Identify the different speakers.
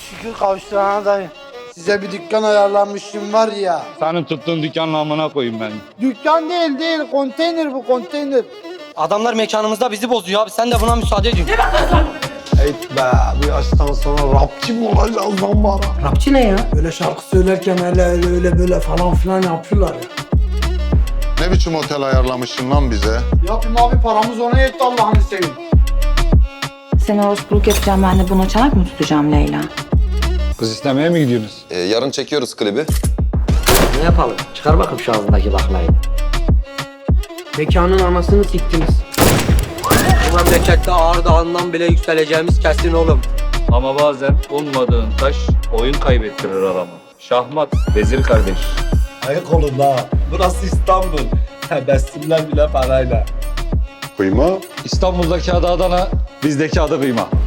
Speaker 1: şükür kavuşturana dayı. Size bir dükkan ayarlanmışım var ya.
Speaker 2: Senin tuttuğun dükkanın amına koyayım ben.
Speaker 1: Dükkan değil, konteyner bu, konteyner.
Speaker 3: Adamlar mekanımızda bizi bozuyor abi. Sen de buna müsaade ediyorsun.
Speaker 1: Evet be, bu yaştan sonra rapçi mi olacağız lan bana?
Speaker 3: Rapçi ne ya?
Speaker 1: Böyle şarkı söylerken öyle böyle falan filan yapıyorlar ya.
Speaker 4: Ne biçim otel ayarlamışsın lan bize?
Speaker 1: Yapayım abi, paramız ona yetti Allah'ını seveyim.
Speaker 5: Seni orospuluk yapacağım, ben de buna çanak mı tutacağım Leyla?
Speaker 2: Kız istemeye mi gidiyorsunuz?
Speaker 6: Yarın çekiyoruz klibi.
Speaker 3: Ne yapalım? Çıkar bakayım şu ağzındaki baklayı. Mekanın anasını siktiniz. Bu memlekette Ağrı Dağı'ndan bile yükseleceğimiz kesin oğlum.
Speaker 2: Ama bazen ummadığın taş oyun kaybettirir adamı. Şahmat, vezir kardeş.
Speaker 7: Ayık olun ha. Burası İstanbul. Tebessümler bile parayla.
Speaker 4: Kıyma.
Speaker 2: İstanbul'daki adı Adana, bizdeki adı kıyma.